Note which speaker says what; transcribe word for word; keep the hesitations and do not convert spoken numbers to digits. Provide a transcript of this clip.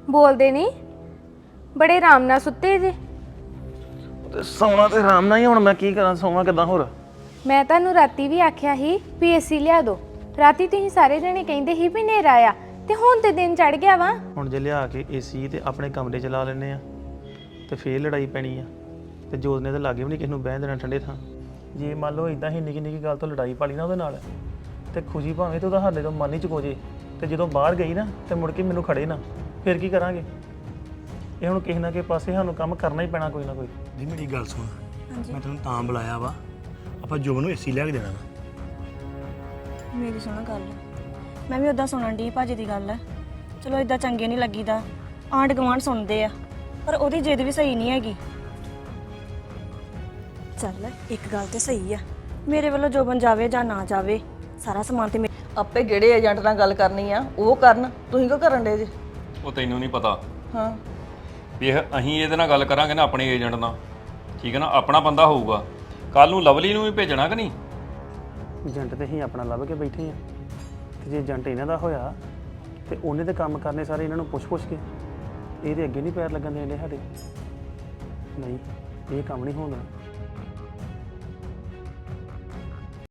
Speaker 1: ਬੋਲਦੇ ਨਹੀਂ ਬੜੇ ਆਰਾਮ ਨਾਲ ਸੁੱਤੇ ਜੇ।
Speaker 2: ਤੇ ਸੌਣਾ ਤੇ ਆਰਾਮ ਨਾਲ ਹੀ, ਹੁਣ ਮੈਂ ਕੀ ਕਰਾਂ, ਸੌਵਾਂ ਕਿੱਦਾਂ ਹੋਰ?
Speaker 1: ਮੈਂ ਤੁਹਾਨੂੰ ਰਾਤੀ ਵੀ ਆਖਿਆ ਸੀ ਵੀ ਏਸੀ ਲਿਆ ਦਿਓ। ਰਾਤੀ ਤੁਸੀਂ ਸਾਰੇ ਜਣੇ ਕਹਿੰਦੇ ਸੀ ਵੀ ਹਨੇਰਾ ਆ, ਤੇ ਹੁਣ ਤੇ ਦਿਨ ਚੜ ਗਿਆ ਵਾ।
Speaker 2: ਹੁਣ ਜੇ ਲਿਆ ਕੇ ਏਸੀ ਤੇ ਆਪਣੇ ਕਮਰੇ 'ਚ ਲਾ ਲੈਂਦੇ ਆ ਤੇ ਫੇਰ ਲੜਾਈ ਪੈਣੀ ਆ, ਤੇ ਜੋਤ ਨੇ ਤਾਂ ਲਾਗੇ ਵੀ ਨਹੀਂ ਕਿਸ ਨੂੰ ਬਹਿਣ ਦੇਣਾ ਠੰਡੇ ਥਾਂ। ਜੇ ਮੰਨ ਲਓ ਇਦਾਂ ਹੀ ਨਿੱਕੀ ਨਿੱਕੀ ਗੱਲ ਤੋਂ ਲੜਾਈ ਪਾ ਲਈ ਨਾ ਉਹਦੇ ਨਾਲ, ਤੇ ਖੁਸ਼ੀ ਭਾਵੇਂ ਤੇ ਉਹਦਾ ਸਾਡੇ ਤੋਂ ਮਨ ਹੀ ਚੁਕੋ ਜੇ, ਤੇ ਜਦੋਂ ਬਾਹਰ ਗਈ ਨਾ ਤੇ ਮੁੜ ਕੇ ਮੈਨੂੰ ਖੜੇ ਨਾ, ਫਿਰ ਕੀ ਕਰਾਂਗੇ? ਇਹ ਹੁਣ ਕਿਸੇ ਨਾ ਕਿਸੇ ਪਾਸੇ ਸਾਨੂੰ ਕੰਮ ਕਰਨਾ ਹੀ ਪੈਣਾ ਕੋਈ ਨਾ ਕੋਈ।
Speaker 3: ਜੀ ਮੇਰੀ ਗੱਲ ਸੁਣ, ਮੈਂ ਤੈਨੂੰ ਤਾਂ ਬੁਲਾਇਆ ਵਾ, ਆਪਾਂ ਜੋਬਨ ਨੂੰ ਏਸੀ ਲਿਆ ਕੇ ਦੇਣਾ ਵਾ।
Speaker 4: ਮੇਰੀ ਸੁਣੋ ਗੱਲ, ਮੈਂ ਵੀ ਉਦਾਂ ਸੁਣਨ ਦੀ ਭਾਜੀ ਦੀ ਗੱਲ ਹੈ। ਚਲੋ ਇਦਾਂ ਚੰਗੇ ਨਹੀਂ ਲੱਗੀਦਾ, ਆਂਢ ਗੁਆਂਢ ਸੁਣਦੇ ਆ, ਪਰ ਉਹਦੀ ਜਿੱਦ ਵੀ ਸਹੀ ਨਹੀਂ ਹੈਗੀ। ਚੱਲ ਇੱਕ ਗੱਲ ਤੇ ਸਹੀ ਆ, ਮੇਰੇ ਵੱਲੋਂ ਜੋਬਨ ਜਾਵੇ ਜਾਂ ਨਾ ਜਾਵੇ, ਸਾਰਾ ਸਮਾਨ ਤੇ
Speaker 5: ਆਪੇ ਜਿਹੜੇ ਏਜੰਟ ਨਾਲ ਗੱਲ ਕਰਨੀ ਆ ਉਹ ਕਰਨ, ਤੁਸੀਂ ਕਿਉਂ ਕਰਨ ਡੇ ਜੇ?
Speaker 6: ਉਹ ਤੈਨੂੰ ਨਹੀਂ ਪਤਾ
Speaker 5: ਹਾਂ
Speaker 6: ਵੀ ਇਹ ਅਸੀਂ ਇਹਦੇ ਨਾਲ ਗੱਲ ਕਰਾਂਗੇ ਨਾ ਆਪਣੇ ਏਜੰਟ ਨਾਲ, ਠੀਕ ਹੈ ਨਾ, ਆਪਣਾ ਬੰਦਾ ਹੋਊਗਾ। ਕੱਲ ਨੂੰ ਲਵਲੀ ਨੂੰ ਵੀ ਭੇਜਣਾ ਕਿ ਨਹੀਂ?
Speaker 2: ਏਜੰਟ ਤੇ ਅਸੀਂ ਆਪਣਾ ਲੱਭ ਕੇ ਬੈਠੇ ਆ, ਤੇ ਜੇ ਏਜੰਟ ਇਹਨਾਂ ਦਾ ਹੋਇਆ ਤੇ ਉਹਨੇ ਤੇ ਕੰਮ ਕਰਨੇ ਸਾਰੇ ਇਹਨਾਂ ਨੂੰ ਪੁੱਛ ਪੁੱਛ ਕੇ, ਇਹਦੇ ਅੱਗੇ ਨਹੀਂ ਪੈਰ ਲੱਗਣ ਦੇਣੇ ਸਾਡੇ। ਨਹੀਂ, ਇਹ ਕੰਮ ਨਹੀਂ ਹੋਣਾ।